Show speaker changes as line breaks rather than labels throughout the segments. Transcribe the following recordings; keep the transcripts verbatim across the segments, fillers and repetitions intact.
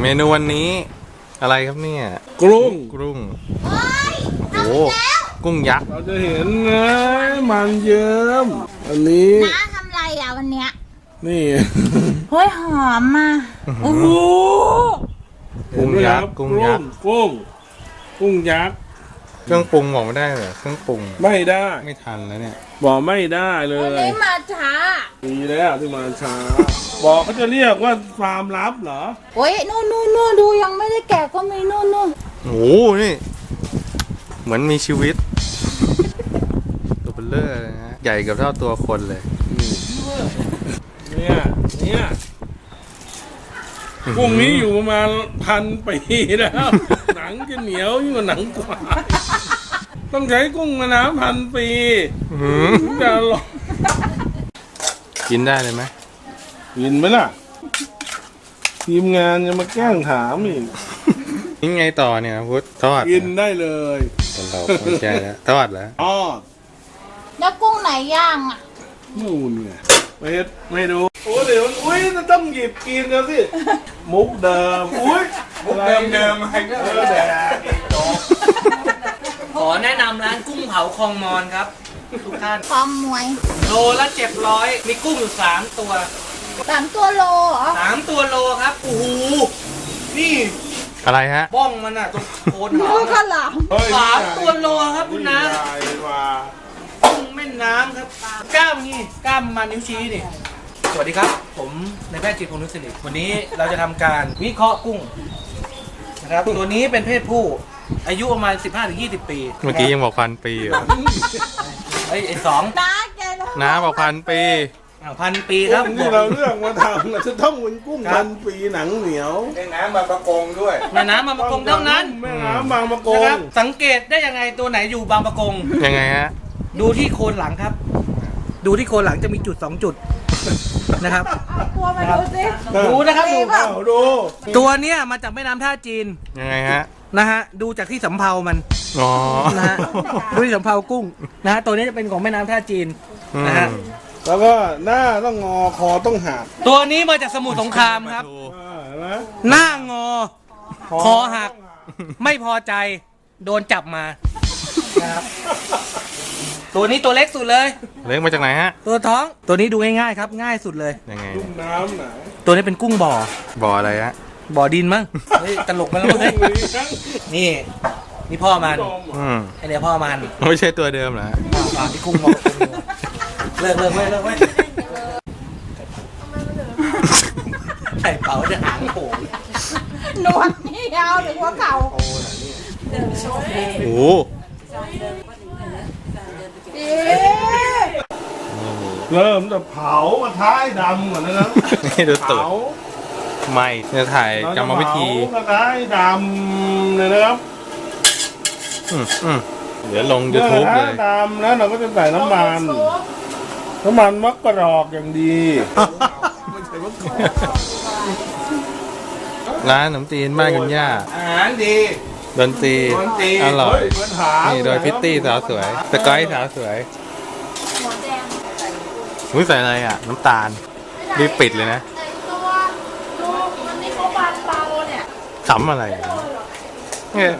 นูวันนี้อะไรครับเนี่ย
กุ้ง
กุ้งโอ้กุ้งยักษ์
เราจะเห็นนะมันเยิ้มอันนี้
น้าทำไรอ่ะวันเนี้ย
นี่
เฮ้ยหอมอ่ะโอ้โห
กุ้งยักษ์กุ้งยักษ์
กุ้งกุ้งยักษ์
เครื่องปรุงบอกไม่ได้เหรอเครื่องปรุง
ไม่ได้
ไม่ทันแล้วเนี่ย
บอกไม่ได้เลย
วันนี้มาช้า
ดีแล้วที่มาช้าบอกเขาจะเรียกว่าฟาร์มลับเหรอ
โอ้ยนู่นนู่นนู่นดูยังไม่ได้แกะก็มีนู่นนู่น
โอ้นี่เหมือนมีชีวิตตัวเบลเลอร์นะใหญ่กับเท่าตัวคนเลย
เนี่ยเนี่ยกุ้งนี้อยู่ประมาณพันปีแล้วหนังจะเหนียวยิ่งกว่าหนังกวางต้องใช้กุ้งมาน้ำพันปีจะลอง
กินได้เลยไหม
กินไหมล่ะทีมงานจะมาแกล้งถามอีก
นี่ไงต่อเนี่ยพุทธทอด
กินได้เลย
เราไม่ใช่แล้วทอดแล้ว
อ๋อ
แล้วกุ้งไหนย่างอ่ะ
นู่นไงไม่ไม่ดูโอ้เดี๋ยวอุ้ยจะต้องหยิบกินแล้วสิมุกเดิมอุ้ย
มุกเดิมเดิมอะไรก็เออแต่
ขอแนะนำร้านกุ้งเผาคลองมอนครับทุกท่าน
พร้อมมวย
โลละเจ็ดร้อยมีกุ้งอยู่สามตัว
สามตัวโลเหรอ
สามตัวโลครับโอ้โหนี่
อะไรฮะ
บ้องมันอ่ะตรงโคนหาง
ข้าวหลาม
สามตัวโลครับคุณน้ากุ้งแม่น้ำครับกล้ามนี่กล้ามมานิ้วชี้นี่สวัสดีครับผมนายแพทย์จิตรพงษ์นุชสิริวันนี้เราจะทำการวิเคราะห์กุ้งนะครับตัวนี้เป็นเพศผู้อายุประมาณ สิบห้าถึงยี่สิบ ปี
เมื่อกี้ยังบอกพันปีอยู่
ไอ้ไอ้สอง
น้าแก
น้าบอกพันปี
พันปีครับ
ที่เราเลือกมาทำเราจะต้องเป็นกุ้งพันปีหนังเหนียว
แม่น้ำบางประกงด้วย
แม่น้ำบางประกงเท่านั้น
แม่น้ำบางประกง
สังเกตได้ยังไงตัวไหนอยู่บางประกง
ยังไงฮะ
ดูที่โคนหลังครับดูที่โคนหลังจะมีจุดสองจุดนะครับ
ตัวมาดูสิ
ดูนะครับดู
ดู
ตัวเนี้ยมาจากแม่น้ำท่าจีน
ยังไงฮะ
นะฮะดูจากที่สำเภามัน
อ๋อ
นะฮะดูที่สำเภากุ้งนะฮะตัวนี้จะเป็นของแม่น้ำท่าจีนนะฮะ
แล้วก็หน้าต้องงอคอต้องหัก
ตัวนี้มาจากสมุทรสงครามครับหน้างอคอหักไม่พอใจโดนจับมานะครับตัวนี้ตัวเล็กสุดเลย
เล็กมาจากไหนฮะ
ตัวท้องตัวนี้ดูง่ายๆครับง่ายสุดเลย
ยังไง
กุ้งน้ำไหน
ตัวนี้เป็นกุ้งบ่อ
บ่ออะไรฮะ
บ่อดินมั้งเฮ้ยตลกมันแล้วเลยนี่นี่พ่อมันไอเนี่ยพ่อมัน
ไม่ใช่ตัวเดิมเหรอ
ปากที่กุ้งบอกเลิกเลิกไว้เลิกไว้ไข่เป๋าจะหางโผล่
หนวดนี่ยาวถึงหัวเข่า
โอ้
เริ่มจะเผามาท้ายดำก่อนนะครับ
นี่ดูตุ่มไม่จะถ่ายกรรมวิธี
มาท้ายดำเลยนะครับ
อืมอืมเดี๋ยวลงยูทูบเลย
ดำแล้วเราก็จะใส่น้ำมันน้ำมันมะกรอกอย่างดี
ร้านขนมจีนบ้านคุณย่า
อาหารดี
ดนตรีอร่อยนี่โดยพิตตี้สาวสวยสกอยสาวสวยมุ้ยใส่อะไรอ่ะน้ำตาลรีบปิดเลยนะขำอะไรเนี่ย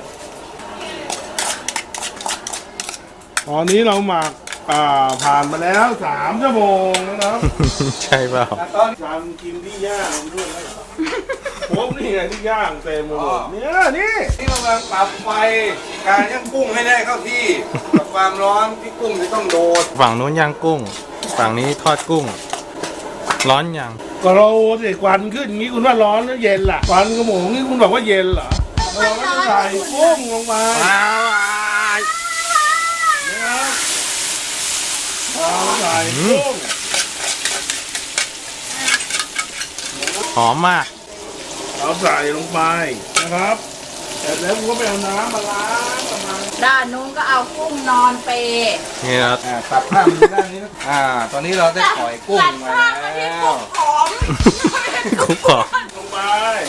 ตอนนี้เราหมักผ่านมาแล้วสามชั่วโมงนะครับ
ใช่เปล่า
ตอนการกินที่ย่างด้วยผมนี่ไงที่ย่างเต็มหมดเนี่ยนี่
ที่กำลังปรับไฟการย่างกุ้งให้ได้เข้าที่กับความร้อนที่กุ้งจะต้องโดด
ฝั่งนู้นย่างกุ้งฝั่งนี้ทอดกุ้งร้อนยัง
ก็เราสิควันขึ้นงี้คุณว่าร้อนหรือเย็นล่ะควันกระหม่อมนี่คุณบอกว่าเย็นเหรอเราก็จะใส่กุ้งลงมาเอาใส่กุ้ง
หอมมาก
เราใส่ลงไปนะครับแต่แล้วผมก็ไปเอาน้ำมาล้างประมาณ
ด้านนู้นก็เอากุ้งนอนเป
นี่ครับ
ตัดผ้ามาด้านนี้นะอ่าตอนนี้เราได้ปล่อยกุ้งมาแล้ว
กุ้งหอม
ลงไป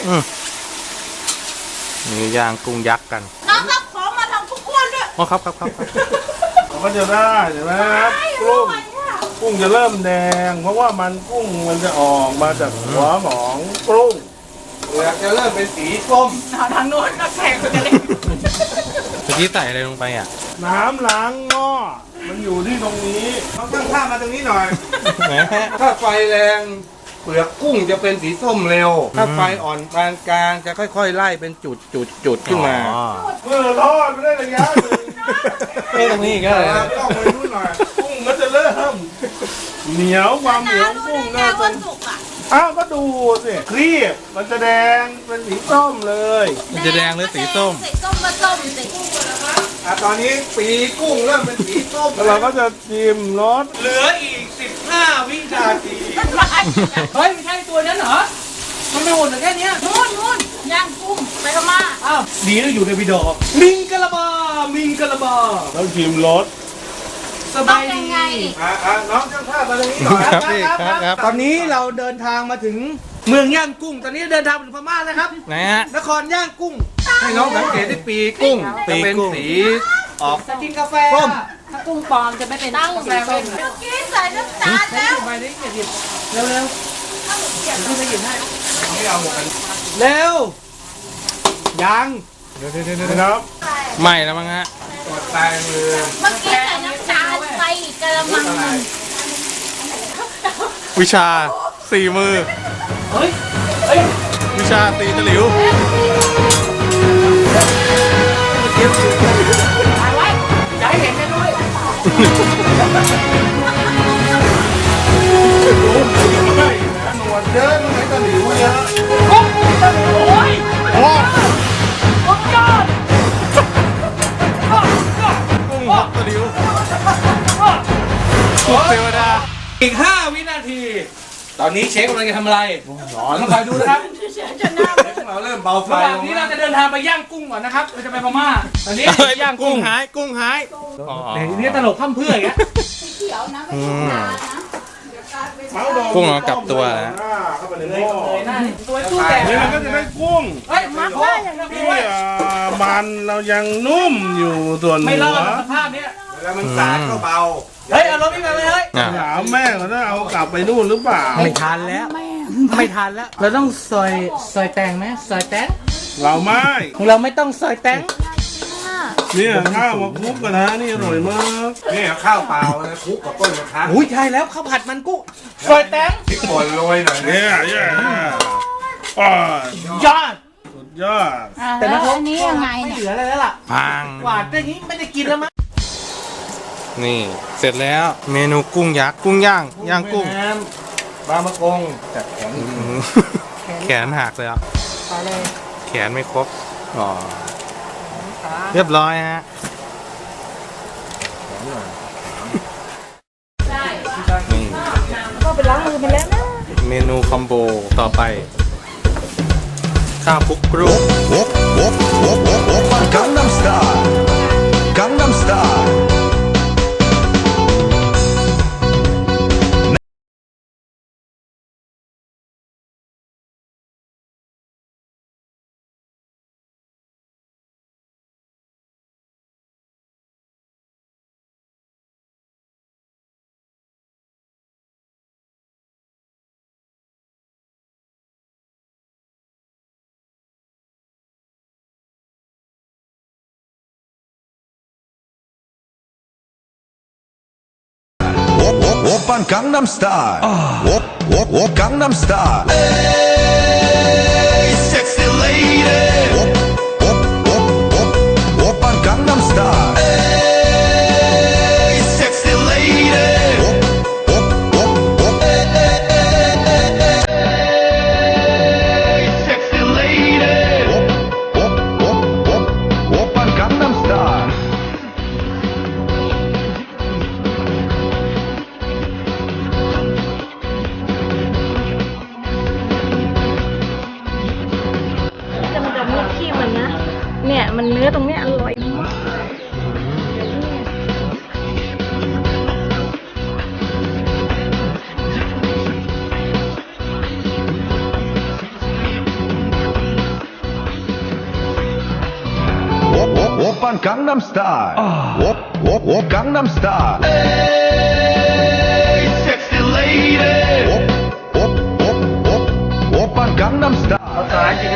นี่ย่างกุ้งยักษ์กัน
น้องรับของมาทำทุกคนด้วย
อ๋อครับครับครับ
เราก็จะได้เห็นไหมครับกุ้งกุ้งจะเริ่มแดงเพราะว่ามันกุ้งมันจะออกมาจากหัวของกุ้ง
เปลือกจะเริ่มเป็นสีส้ม
ทางโน้นก็แข่งกันเลย
เมื่อกี้ใส่อะไรลงไปอ่ะ
น้ำล้างหม้อมันอยู่ที่ตรงนี้
ต้องตั้งค่ามาตรงนี้หน่อย
แหม
ถ้าไฟแรงเปลือกกุ้งจะเป็นสีส้มเร็ว ถ้าไฟอ่อนปานกลางจะค่อยๆ ไล่เป็นจุดจุดจุดขึ้นมา
อ๋อ
เมื่อทอดไม่ได้ระยะหนึ่ง
เอ้ยตรงนี้อีก็เลย
ต้องไปนู่นหน่อย
กุ้งก็จะเริ่มเหนียวความเหนียวกุ้งน่าจะอ้าวก็ดูสิครีบมันจะแดงเป็นสีส้มเลย
มันจะแดงหรือสีส้ม
สีส้มมาส้มสิ
อ่ะตอนนี้ปีกุ้งเริ่มเป็นสีส้ม
แล้วเราก็จะชิมรส
เหลืออีกสิบห้าวินาที เฮ้ยไม่ใช่ตัวนั้นเหรอ มันไม่หมดเหลือแค่เนี้ย
นู่นนู่นย่างกุ้งไปพม่า
อ้าวดีนะอยู่ในวิดีโอมิงกะลาบา มิงกะลาบา
แล้วชิมรส
สบายดี
อ่ะอ่ะน้องช่างภาพมาตรงนี้หน่อย
ครับพี่ครับครับ
ตอนนี้เราเดินทางมาถึงเมืองย่างกุ้ง ตอนนี้เดินทางไปถึงพม่าแล้วครับ
ไหนฮะ
นครย่างกุ้ง
ให้น้องสังเกตที่ปีกุ้ง
ปี
จะเป็น
กุ้ง
สีออก
จะกินกาแฟ
ส้ม
ถ้ากุ้งปลอมจะไม่เป็นตั้งสีส้มเมื่อกี้ใส่น้ำตาลแล้ว
ไปดิเดี๋ยวเร็วเร็วๆพี่ไปหยิบให้
ไม่เอาหมดกัน
เร็ว ยัง
นะครับ
ไม่แล้วมั้งฮะ
ตรวจตายมือ
เมื่อกี้ใส่น้ำตาลไปอีกกระมังหนึ่ง
วิชาสี่มือ
เฮ้ย เฮ้ย
วิชาตีตะหลิว
ถ่ายไว้
อย่าให้เห็นกันด้วย
หนวดเดินไม่ตะหลิวเยอะ
โอ้ย
โอ้
สุดยอด
กุ้งฮอกตะหลิวกุ้งเทวดา
อีกห้าวินาที ตอนนี้เชฟกำลังจะทำอะไรร้อนมาคอยดูนะครับ
เราเริ่มเบาไฟ
ระหว่าง
ลง
นี้
แล้
เรา
ว
จะเดินทางไปย่างกุ้งก่อนนะครับ เราจะไปพม่า ตอนนี้
เฮ้ย
ย่าง
กุ้
กุ้
ง
ง
หาย กุ้งหายอ๋อ
เดี๋ยวนี้ตลกพร่ำเพรื่ออย่างเงี้ย
เขียวนะไม่
อื
ใช่
ม
น้ำนะ
เมาส์ดอง
กุ้งเอากลับตัวนะ
หน้าเข้าไปในหม้อ
เลยหน้าตัวตู้แตก
นี่มันก็จะได้กุ้ง
เฮ้ยมักได้อย่างนี้
ที่อ่ามันเรายังนุ่มอยู่ส่วน
ไม่
หั
รอ
ว
ดสภาพเนี้ย
แล้วมันสาดก็เบา
เฮ้ย เอารถนี่มาเลยเฮ้ย
อ่ะ
ถามแม่เขาถ้าเอากลับไปนู่นหรือเปล่า
ไม่ทันแล้ว ไม่ทันแล้ว เราต้องซอยซอยแตงไหมซอยแตง
เราไม่
ของเราไม่ต้องซอยแตง
เนี่ยข้าวมาคลุกกันนะนี่อร่อยมาก
นี่ข้าวเปล่านะคลุกกับต้นกระทะ
อุ้ยใช่แล้วข้าวผัดมันกุ้งซอยแตง
พริกป่นโรยหน่อยนะ
เนี่ยเนี่ยอ่าย
อด
สุดยอด
อ่ะ
แต่
แล้
นะ
ว
ครับ
อันนี้ยังไง
ไม่
เนี่ย
เหลืออะไรแล้วล่ะ
พัง
หวานอย่างนี้ไม่ได้กินแล้วมั้ง
นี่ เสร็จแล้ว เมนูกุ้งยักษ์ กุ้งย่าง ย่างกุ้ง
แม่น้ำบางมะกงจัดแข็ง
อื้อหือแขนหักเลยอ่ะ
ไปเลย
แขนไม่ครบ อ๋อ เรียบร้อยฮะ นี่
ก็ไปล้างมือไปแล้วนะ
เมนูคอมโบต่อไป ข้าวคลุกกรุ้ง
Op, op, op, op, op, Gangnam Style. Gangnam Style. Op, op, oppan Gangnam Style. Op, op, op, Gangnam Style. Hey, sexy lady. Op, op, op, op, oppan Gangnam Style. Hey, sexy lady. Op, op, op, op. Hey, sexy lady. Op, op, op, op, oppan Gangnam Style.
แต่มันจะมีขี้มันนะ เนี่ยมันเนื้อตรงเนี้ยอร่อยมาก
Op, op, oppan Gangnam Style. Op, op, op, Gangnam Style. Hey, sexy lady. Op, op, op, op, oppan Gangnam Style.
สายจริง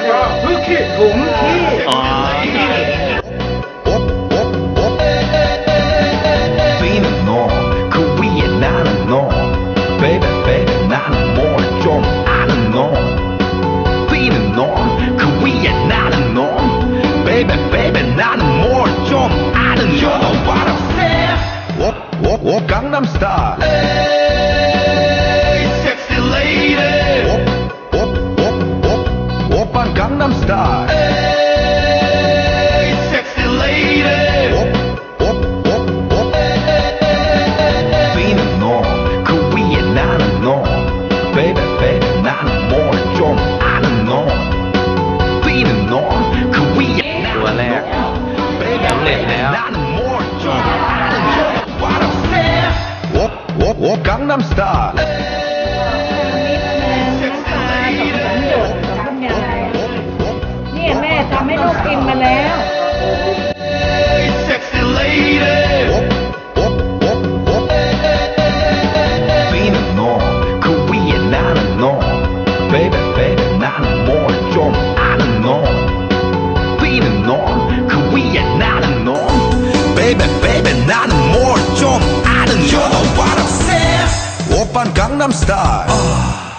Gangnam Style.
เนี่ยแม่ทำให้ลูกกินมาแล้ว
Hey, sexy lady. Being a norm, Korea not a norm. Baby, baby, not a more 좀 아는 norm. Being a norm, Korea not a norm. Baby, baby, not a more 좀 아는 You know what I'm saying? 오빤 강남 스타일.